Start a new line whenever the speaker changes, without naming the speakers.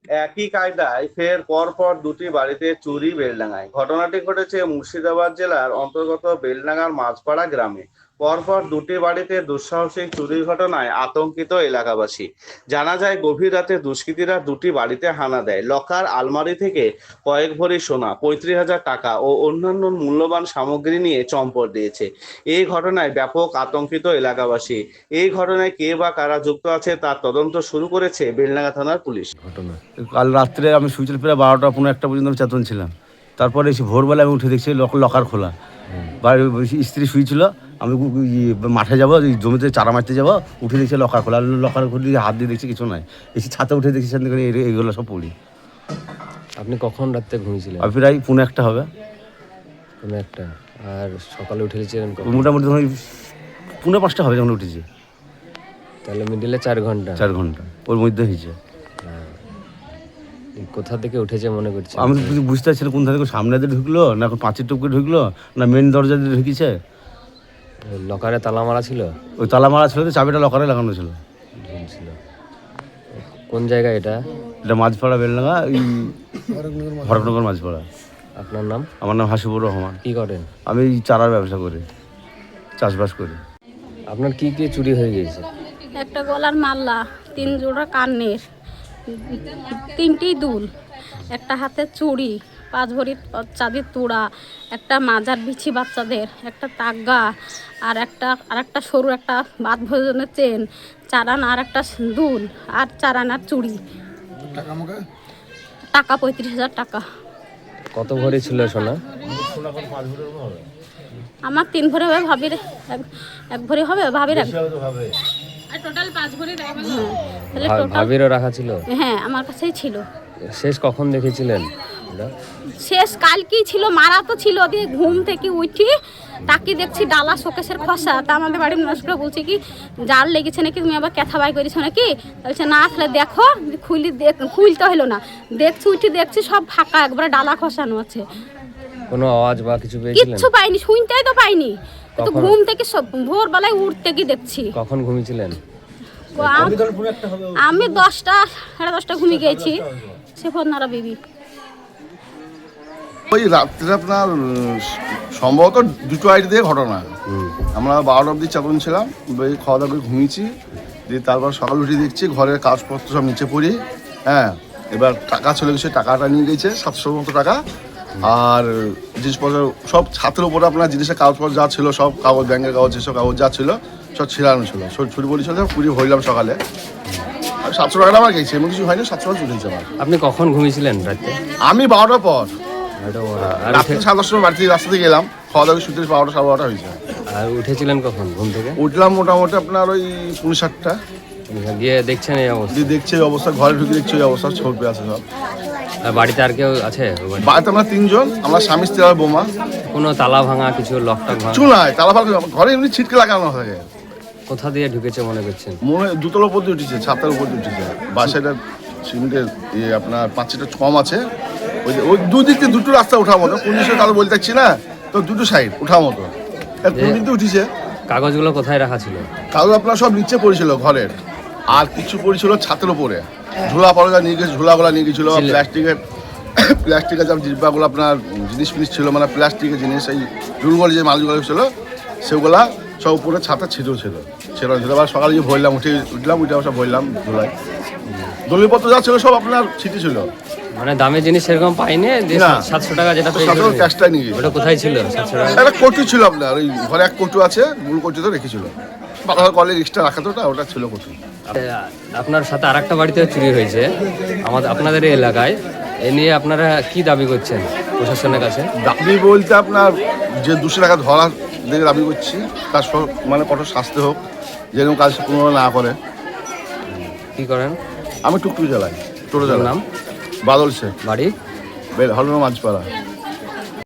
একই কায়দায় ফের পরপর দুটি বাড়িতে চুরি বেলডাঙায়। ঘটনাটি ঘটেছে মুর্শিদাবাদ জেলার অন্তর্গত বেলডাঙ্গার মাঝপাড়া গ্রামে। পরপর দুটি বাড়িতে দুঃসাহসিক চুরির ঘটনায় আতঙ্কিত এলাকাবাসী। জানা যায়, গভীর রাতে দুষ্কৃতীরা দুটি বাড়িতে হানা দেয়। লকার, আলমারি থেকে কয়েক ভরি সোনা, 35,000 টাকা ও অন্যান্য মূল্যবান সামগ্রী নিয়ে চম্পট দিয়েছে। এই ঘটনায় ব্যাপক আতঙ্কিত এলাকাবাসী। এই ঘটনায় কে বা কারা যুক্ত আছে তার তদন্ত শুরু করেছে বেলডাঙ্গা থানার পুলিশ।
ঘটনা কাল রাত্রে আমি শুয়েছিলাম প্রায় 12টা-15 পর্যন্ত আমি চেতন ছিলাম। তারপরে এসে ভোরবেলা আমি উঠে দেখছি লকার খোলা। বাড়ির স্ত্রী শুয়েছিল, আমি মাঠে যাবো, জমিতে চারা মারতে যাবো, উঠে দেখছি লকার খোলা। লকার খুলে হাত দিয়ে দেখছি কিছু নাই। এসে ছাতে উঠে দেখছি এইগুলো সব পড়ি।
আপনি কখন রাত্রে ঘুমিয়েছিলেন?
আর প্রায় 1:45 হবে।
1:45। আর সকালে উঠেছিলেন কখন?
মোটামুটি ধরুন 4:45 হবে যখন উঠেছি।
তাহলে মিডিলে 4 ঘন্টা।
4 ঘন্টা ওর মধ্যে হয়েছে।
কোথা থেকে উঠেছে মনে করছেন?
আমি তো কিছু বুঝতে পারছি না কোন থেকে, সামনে দিয়ে ঢুকলো না পাঁচের টুকরে ঢুকলো না মেন দরজা দিয়ে ঢুকেছে।
লকারে তালা মারা ছিল?
ওই তালা মারা ছিল, চাবিটা লকারে লাগানো ছিল।
ছিল। কোন জায়গা এটা?
এটা মাঝপাড়া বেলডাঙ্গা, এই হরকনগর মাঝপাড়া।
আপনার নাম?
আমার নাম হাসিবুর রহমান।
কি করেন?
আমি চারার ব্যবসা করি, চাষবাস করি।
আপনার কি কি চুরি হয়ে গেছে?
একটা গলার মালা, 3 জোড়া কানের, 3টি দুল, একটা হাতের চুড়ি, 5 ভরি চাঁদির তুড়া, একটা মাজার বিছি বাচ্চাদের, একটা তাগা, আর একটা সরু একটা বাদ ভোজনের চেন, 4 আনা আর একটা দুল, আর 4 আনার চুড়ি। টাকা 35,000 টাকা।
কত ভরি ছিল সোনা?
আমার 3 ভরি হবে, ভাবির 1 ভরি হবে, ভাবির 1। টোটাল 5 ভরি।
ভাবিরও রাখা ছিল?
হ্যাঁ, আমার কাছেই ছিল।
শেষ কখন দেখেছিলেন?
শেষ কালকেই ছিল, মারা তো ছিল। দিয়ে ঘুম থেকে উঠি তাকে দেখছি ডালা শোকেশের খসা। তা আমাদের বাড়ির মানুষরা বলছে কি জাল লেগেছে নাকি, তুমি আবার ক্যাথা বাই করেছো নাকি? বলছে না, তাহলে দেখো। খুলতে হলো না, দেখছি উঠি দেখছি সব ফাঁকা, একবারে ডালা খসানো আছে।
কোনো আওয়াজ বা কিছু পেয়েছিলেন?
কিচ্ছু পাইনি, শুনতেই তো পাইনি। তো ঘুম থেকে সব ভোরবেলায় উঠতে কি দেখছি।
কখন ঘুমিয়েছিলেন?
আমি 10টা সাড়ে 10টা ঘুমিয়ে গেছি। সে ফোনারা বিবি
ওই রাত্রে আপনার সম্ভবত 2টো আইডি দিয়ে ঘটনা। আমরা 12টা অবধি চেতন ছিলাম, ওই খাওয়া দাওয়া করে ঘুমিয়েছি। দিয়ে তারপর সকাল উঠে দেখছি ঘরের কাগজপত্র সব নিচে পড়ি। হ্যাঁ, এবার টাকা চলে গেছে, টাকাটা নিয়ে গেছে 700 মতো টাকা। আর জিনিসপত্র সব ছাতের উপরে আপনার জিনিসের কাগজপত্র যা ছিল সব, কাগজ, ব্যাংকের কাগজ, যেসব কাগজ যা ছিল সব ছিলানো ছিল। ছুটি বলি ছিল, পুরি ভরলাম সকালে। আর 700 টাকাটা আমার গেছে, এমন কিছু হয়নি, 700 টাকা চলে গেছে আমার।
আপনি কখন ঘুমিয়েছিলেন রাতে?
আমি 12টার পর,
আর
রাত্রে 7:30 সময় বাড়ি থেকে রাস্তা থেকে গেলাম, খাওয়া দাওয়া শুতে 12টা সাড়ে 12টা হয়েছে।
আর উঠেছিলেন কখন ঘুম থেকে?
উঠলাম মোটামুটি আপনার ওই 7:30টা।
গিয়ে দেখছেন এই অবস্থা?
দিয়ে দেখছি এই অবস্থা, ঘরে ঢুকে দেখছি ওই অবস্থা, ছবি আছে সব।
আর বাড়িতে আর কেউ আছে?
বাড়িতে আমরা 3 জন, আমরা স্বামী স্ত্রী আর বৌমা।
কোনো তালা ভাঙা কিছু, লকটা ভাঙা?
কিছু নাই, তালা ফালা ঘরে এমনি ছিটকে লাগানো থাকে।
কোথা দিয়ে ঢুকেছে মনে করছেন?
মনে হয় 2তলার উপর দিয়ে উঠেছে, ছাদের উপর দিয়ে উঠেছে। বাসাটা সিমেন্টের আপনার 5টা কম আছে। ওই দুদিক দিয়ে 2টো রাস্তা ওঠার মতো, কোন দিকে তাহলে বলতে চাচ্ছি না, তো 2টো সাইড ওঠার মতো। কোন দিক দিয়ে উঠেছে।
কাগজগুলো কোথায় রাখা ছিল?
কাগজ আপনার সব নিচে পড়েছিল ঘরের, আর কিছু পড়েছিল ছাতের উপরে। ঝোলা পড়া নিয়ে গেছে, ঝোলাগুলা নিয়ে গেছিলো, প্লাস্টিকের যা ডিব্বাগুলো আপনার জিনিস ফিনিস ছিল, মানে প্লাস্টিকের জিনিস, এই রুলগুলো যে মালগুলো ছিল সেগুলা সব উপরে ছাতা ছিটেও ছিল। আবার সকালে যে ভরলাম, উঠলাম সব ভরলাম ধুলাই। দলিলপত্র যা ছিল সব আপনার ছিটে ছিল।
মানে দামি জিনিস সেরকম পাইনি। 700 টাকা যেটা
ক্যাশটাই নিয়ে গেছে।
ওটা কোথায় ছিল? 700 টাকা
একটা কটু ছিল আপনার, ওই ঘরে এক কটু আছে, মূল কটুতে রেখেছিল। বাংলা কলেজ এক্সট্রা রাখা তো ওটা ছিল কটু।
আপনার সাথে আরেকটা বাড়িতে চুরি হয়েছে আপনাদের এই এলাকায়। এ নিয়ে আপনারা কি দাবি করছেন প্রশাসনের কাছে?
দাবি বলতে আপনার যে 200 টাকা ধরার দিকে দাবি করছি, তার মানে কঠোর শাস্তি হোক, যেরকম কাজ পুনরায় না করে।
কি করেন?
আমি টুকটুক চালাই, টোটো চালাই।
নাম?
বাদল শেখ,
বাড়ি?
হলনা মাঝপাড়া।